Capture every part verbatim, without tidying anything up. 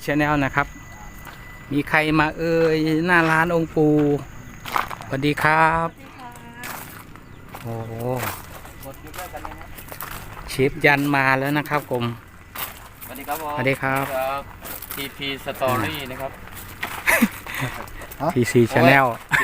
แนลนะครับมีใครมาเอ่ยหน้าร้านองค์ปู่สวัสดีครับโอ้เชฟยันมาแล้วนะครับผมสวัสดีครับผมสวัสดีครับที พี Story นะครับพี ซี Channel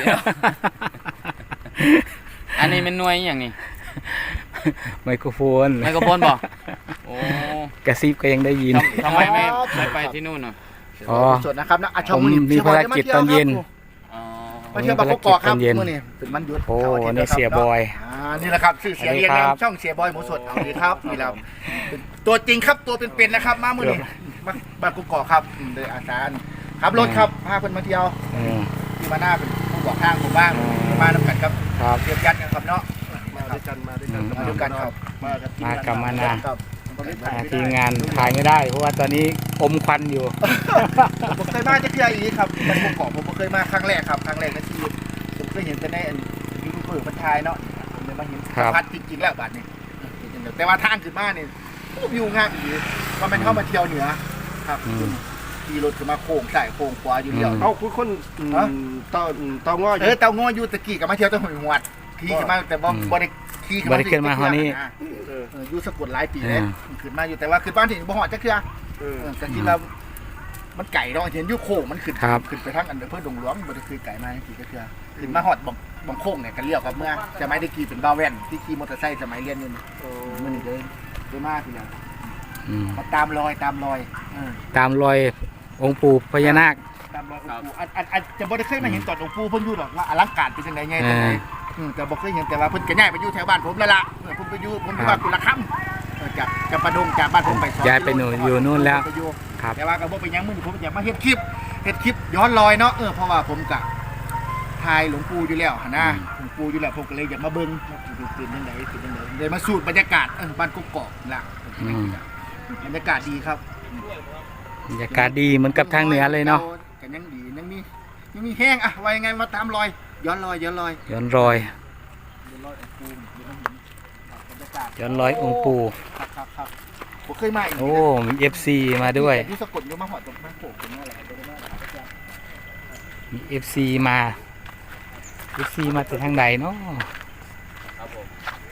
อันนี้เป็นหน่วยอย่างนี้ไมโครโฟนไมโครโฟนบอกโอ้กระซิบก็ยังได้ยินทำไมไม่ไม่ไปที่นู่นอ่ะอ๋อสดนะครับนะอาชผมมีภารกิจตอนเย็นอ๋อมาเที่ยวบางกอกครับเมื่อนี้เป็นมันหยุดโอ้นี่เสียบอยอ่านี่แหละครับชื่อเสียงเรียงนามช่องเสียบอยหมูสดเอาดีครับนี่แล้วตัวจริงครับตัวเป็นๆนะครับมาเมื่อนี้มาบางกอกครับโดยอาจารย์ขับรถครับพาเพื่อนมาเที่ยวอืมที่มาหน้าเป็นผู้บอกทางผมบ้างมาน้ำกันครับครับเรียบยัดกันครับเนาะมาด้วยกันมาด้วยกันอืมมาด้วยกันครับมากับมากับมานาครับอ่าทีมงานถ่ายไม่ได้เพราะว่าตอนนี้อมควันอยู่ผมเคยมาจะเที่ยวอีกครับมันบางกอกผมเคยมาครั้งแรกครับครั้งแรกในชีวิตผมเคยเห็นแต่ในยูทูบเบอร์มันทายเนาะผมเลยมาเห็นครับพัดจริงๆแล้วบัดนี้แต่ว่าทางขึ้นมาเนี่ยวิวงามอีกว่ามันเข้ามาเที่ยวเหนือครับขี่รถขึ้นมาโค้งใส่โค้งขวาอยู่เดียวเอาคุณคนต่อต่องอเออเตางออยู่ตะกี้กับมาเที่ยวตะหอยหวดขี่ขึ้นมาแต่บ่บ่ได้ขี่ขึ้นบ่มาได้ขึ้นมาเฮานี่เอออยู่สะกดหลายปีเลยขึ้นมาอยู่แต่ว่าขึ้นบ้านที่บ่ฮอดจักเทื่อเออเออแต่ที่เรามันไก่เนาะเห็นอยู่โค้งมันขึ้นครับขึ้นไปทางอันเดอร์เพิ่นดงหลวงบ่ได้คือไก่มาจักทีจักเทื่อขึ้นมาฮอดบังบังโค้งเนี่ยกันเลี้ยวกับเมื่อสมัยได้ขี่เป็นบ้าแว่นที่ขี่มอเตอร์ไซค์สมัยเรียนอยู่นี่มื้อนี้เด้อได้มาพี่แล้วอืมมาตามรอยตามรอยเออตามรอยองค์ปู่พญานาคตามรอยองค์ปู่อันอันอันจะบ่ได้เคยมาเห็นตอนองค์ปู่เพิ่นอยู่หรอกว่าอลังการเป็นจังได๋ไงจังได๋เอออืมแต่บ่เคยเห็นแต่ว่าเพิ่นก็ย้ายไปอยู่แถวบ้านผมแล้วล่ะเออผมไปอยู่ผมอยู่บ้านกุละคำเออจากจากประดงจากบ้านผมไปสองย้ายไปหนูอยู่นู่นแล้วไปอยู่ครับแต่ว่าก็บ่ไปยังมื้อนี้ผมอยากมาเฮ็ดคลิปเฮ็ดคลิปย้อนรอยเนาะเออเพราะว่าผมก็ถ่ายหลวงปู่อยู่แล้วหั่นนะหลวงปู่อยู่แล้วผมก็เลยอยากมาเบิ่งว่าเป็นจังไดเป็นจังไดได้มาสูตรบรรยากาศเออบ้านกกอกๆล่ะอืมบรรยากาศดีครับบรรยากาศดีเหมือนกับทางเหนือเลยเนาะกันยังดียังมียังมีแห้งอะว่ายังไงมาตามรอย ย้อนรอยย้อนรอยย้อนรอยย้อนรอยองค์ปู่เดี๋ยวมันเห็นบรรยากาศย้อนรอยองค์ปู่ครับครับครับผมเคยมาอีกโอ้มีเอฟซีมาด้วยที่สะกดอยู่มาหอดตรงข้างโขกตรงนี้อะไรตรงนี้อะไรมีเอฟซีมาเอฟซีมาจากทางใดเนาะครับผม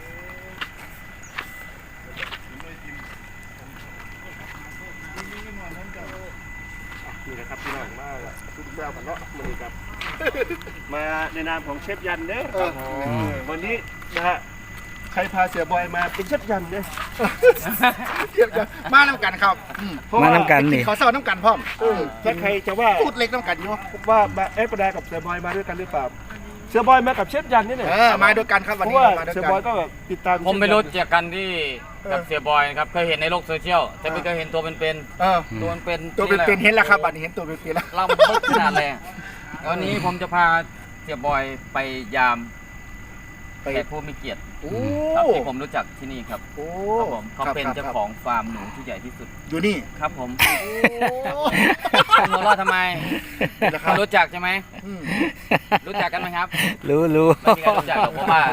นี่นะครับพี่น้องมาทุกเจ้ากันเนาะมือครับ มาในนามของเชฟยันเด้อครับวันนี้นะฮะใครพาเสียบอยมาเป็นเชฟยันเด้อเทียบกันมาน้ำกันครับอืมมาน้ำกันนี่เขาเศร้าน้ำกันพร้อมเออถ้าใครจะว่าพูดเล็กน้ำกันอยู่ว่ามาเอ๊ะประดากับเสียบอยมาด้วยกันหรือเปล่าเสียบอยมากับเชฟยันนี่เนี่ยเออมาด้วยกันครับเพวันราะนี้ว่ามาด้วยเสียกับอยนก็แบบติดตามผมไปรู้จักกันที่กับเสียบอยนะครับเคยเห็นในโลกโซเชียลแต่ไม่เคยเห็นตัวเป็นเออๆตัวเป็นๆตัวเป็นๆเห็นแล้วครับบัดนี้เห็นตัวเป็นๆแล้วเราบึกขนาดเลยวันนี้ผมจะพาเสียบอยไปยามไปแขกผู้มีเกียรติโอ้ครับที่ผมรู้จักที่นี่ครับโอ้ครับผมเขาเป็นครับเจ้าของฟาร์มหนูที่ใหญ่ที่สุดอยู่นี่ครับผมโอ้คุณหัวเราะทำไมนะครับรู้จักใช่ไหมอืมรู้จักกันไหมครับรู้รู้ไม่มีใครรู้จักหรอกเพราะว่า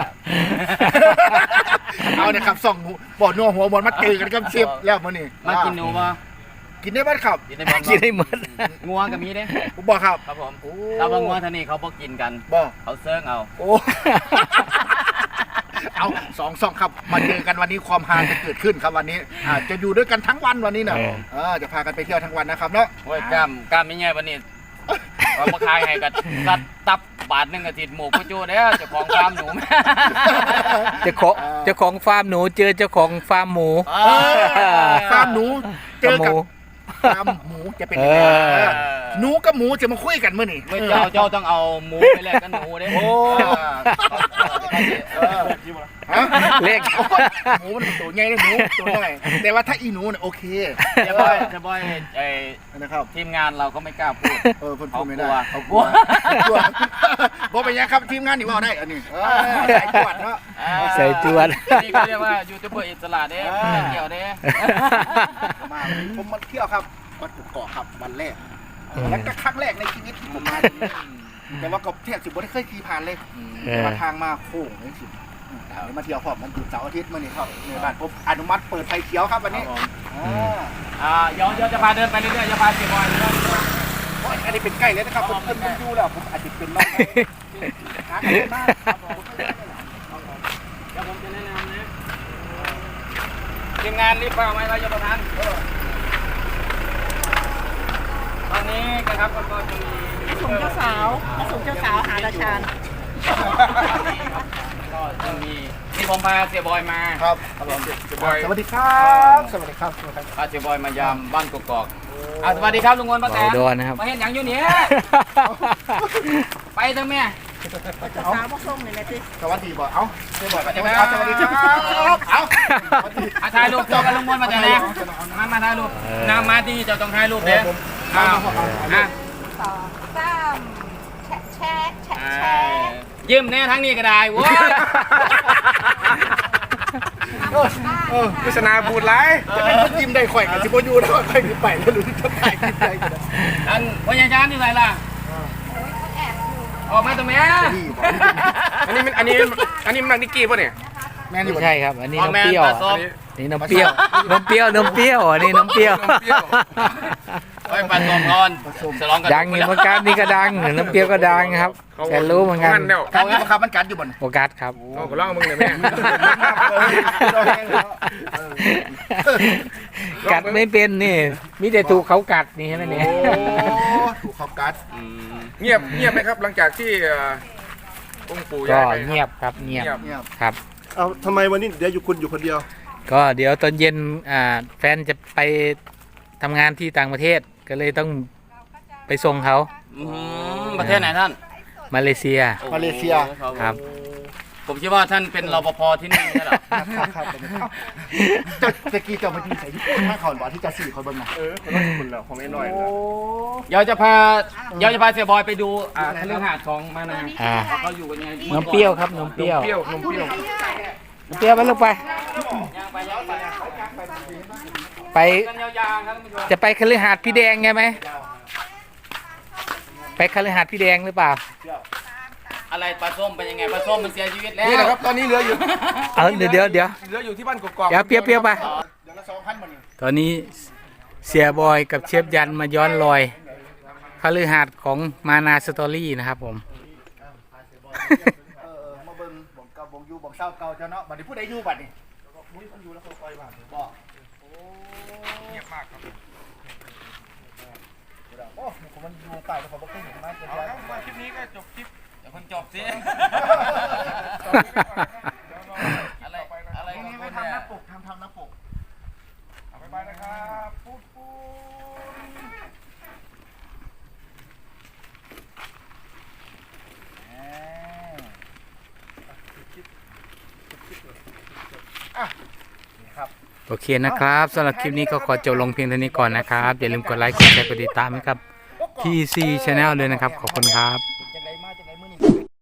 เอาเนี่ยครับส่องหูบ่อนัวหัวบอลมาเจอกันกับเชฟแล้วมื้อนี้มากินหนูปะกินได้บ้านครับกินในบอลกินได้หมดงัวกับมีเด้ผมบอกครับครับผมโอ้เราบางงัวท่านี่เขาบอกกินกันบอกเขาเซิร์งเอาโอ้ เอาสองสองครับมาเจอกันวันนี้ความฮาจะเกิดขึ้นครับวันนี้อ่าจะอยู่ด้วยกันทั้งวันวันนี้เนอะเออเออจะพากันไปเที่ยวทั้งวันนะครับเนาะโอ้ยกล้ามกล้ามไม่ใหญ่วันนี้เรามาขายให้กันกัดตับบาทหนึ่งอาทิตย์หมูกุจูเด้อเจ้าของฟาร์มหนูเจ้าของเจ้าของฟาร์มหนูเจอเจ้าของฟาร์มหมูเออฟาร์มหนูเจอหกับมูฟาร์มหมูจะเป็นยังไงเออเออหนูกับหมูจะมาคุยกันเมื่อนี่เมื่อเจ้าเจ้าต้องเอาหมูไปแลกกันหนูเด้โอ้เออฮะเลขหมูมันเป็นตัวใหญ่เลยหนูตัวน้อยแต่ว่าถ้าอีหนูเนี่ยโอเคเจะบอยเจะบอยไอ้นะครับทีมงานเราก็ไม่กล้าพูดเออเพิ่นพูดไม่ได้เขาเขากกลัลัววกลัวบอกไปยังครับทีมงานนี่ว่าได้อันนี้เออสายจวดเนาะใส่จวดนี่เขาเรียกว่ายูทูบเบอร์อิสระเด้เออไม่เกี่ยวเด้มาผมมาเที่ยวครับวัดกุกเกาะครับวันแรกอืมแล้วก็ครั้งแรกในชีวิตที่ผมมาที่นี่แต่ว่าก็เที่ยวสิบ่ได้เคยขี่ผ่านเลยเออมาทางมาโค้งเลยสิอืมเอามาเที่ยวพร้อมมันหยุดเสาร์อาทิตย์มื่อนี้ครับในบ้านผมอนุมัติเปิดไฟเขียวครับวันนี้ครับผมอ่าอ่าเดี๋ยวเดี๋ยวจะพาเดินไปเรื่อยๆจะพาเสียบอยเรื่อยโอ้ยอันนี้เป็นใกล้เลยนะครับผมเพิ่นผมดูแล้วผมอาจจะเป็นน้องหากันได้มากครับผมๆเดี๋ยวผมจะแนะนำนะทีมงานรีบเฝ้าไหมเราจะประทานตอนนี้นะครับก็จะมีส่งเจ้าสาวมาส่งเจ้าสาวหาราชาญก็จะมีที่ผมพาเสียบอยมาครับครับผมเสียบอยสวัสดีครับสวัสดีครับสวัสดีครับพาเสียบอยมายามบ้านกกอกอ่ะสวัสดีครับลุงวนป้าแตบ่าวนดอนนะครับมาเห็นอย่างอยู่เนี่ยไปเถอะแม่เจ้าสาวมาส่งเลยนะจิสวัสดีบ่เอ้าเดี๋ยวบอกกันสวัสสวัสดีดีคครัรับ บเอ้าอ่ะถ่ายรูปเจอกันลุงวนมาแต่แรกมามาถ่ายรูปนำมาที่เจ้าต้องถ่ายรูปเด้ออ้าวอ่ะสองสามแชะแชะแชะอ่าแชะยิ้มแน่ทั้งนี้ก็ได้โว้ยเออพิศนาบูดไรจะเป็นคนยิ้มได้ข่อยกับจิโบยูแล้วข่อยมีไปแล้วหรือจะถ่ายคลิปใดกันอันพยาจารย์ที่ไหนล่ะออกมาตรงนี้นี่บอกอันนี้มันอันนี้อันนี้มันนิกกี้ป่ะเนี่ยแม่นี่ไม่บ่ใช่ครับ อันนี้ออกน้ำแม่เปรี้ยวปลาอ่ะส้มนี่น้ำเปรี้ยวน้ำเปรี้ยวน้ำเปรี้ยวอันนี้น้ำเปรี้ยวไว้ปลาส้มก่อนฉลองกันดังอยู่เหมือนกันนี่ก็ดังน้ำเปรี้ยวก็ดังครับแต่รู้เหมือนกันแล้วการที่บังคับมันกัดอยู่บนโฟกัสครับเอาก็ร้องมึงเลยแม่กัดไม่เป็นนี่มีแต่ถูกเขากัดนี่ใช่ไหมเนี่ยโอ้ถูกเขากัดอืมเงียบเงียบไหมครับหลังจากที่เอ่อองค์ปู่ก็ย้ายไปเงียบครับเงียบเงียบครับเอาทำไมวันนี้เดี๋ยวอยู่คุณอยู่คนเดียวก็เดี๋ยวตอนเย็นอ่าแฟนจะไปทำงานที่ต่างประเทศก็เลยต้องไปส่งเขาอืมประเทศไหนท่านมาเลเซียมาเลเซียครับผมคิดว่าท่านเป็นรปภที่นี่ใช่หรอครับครับเจ้าตะกี้เจ้ามายืนใส่ที่ข้างเขาบอกที่จะสี่เขาเบิ่งนะเออคนละคนแล้วของไอ้หน่อยแล้วเดี๋ยวจะพาเดี๋ยวจะพาเสียบอยไปดูอ่าคฤหาสน์ของมานาอ่าเขาอยู่กันยังไงนมเปรี้ยวครับนมเปรี้ยวเปรี้ยวนมเปรี้ยวนมเปรี้ยวไปลูกไปย่างไปย่างไปไปกันยาวๆครับท่านผู้ชมจะไปคฤหาสน์พี่แดงไงไหมไปคฤหาสน์พี่แดงหรือเปล่าอะไรปลาส้มเป็นยังไงปลาส้มมันเสียชีวิตแล้วนี่แหละครับตอนนี้เหลืออยู่เออเดี๋ยวเดี๋ยวเดี๋ยวเหลืออยู่ที่บ้านกกอกเดี๋ยวเปรี้ยวเปรี้ยวไปเดี๋ยวละสองพันมันนี่ตอนนี้เสียบอยกับเชฟยันมาย้อนรอยคฤหาสน์ของมานาสตอรี่นะครับผมเออมาเบิ่งบ่งเก่าบ่งอยู่บ่งเศร้าเก่าเจ้าเนาะบัดนี้ผู้ใดอยู่บัดนี้มุ้ยมันอยู่แล้วเขาปล่อยบ้านบ่โอ้เงียบมากครับโอ้ผมมันอยู่ใต้แล้วผมบ่เคยเห็นมาเกินไปมาคลิปนี้ก็จบคลิปเดี๋ยวคนจบสิอะไรอะไรตรงของนี้คุไม่ณทำหเนี่น้าย ปกทำทำหน้าปกเอาไปไปนะครับปุ๊บปุ๊บโอเคนะครับสำหรับคลิปนี้ก็ขอจบลงเพียงเท่านี้ก่อนนะครับ อย่าลืมกดไลค์กดแชร์กดติดตามให้ครับ ที ซี Channel เลยนะครับ ขอบคุณครับ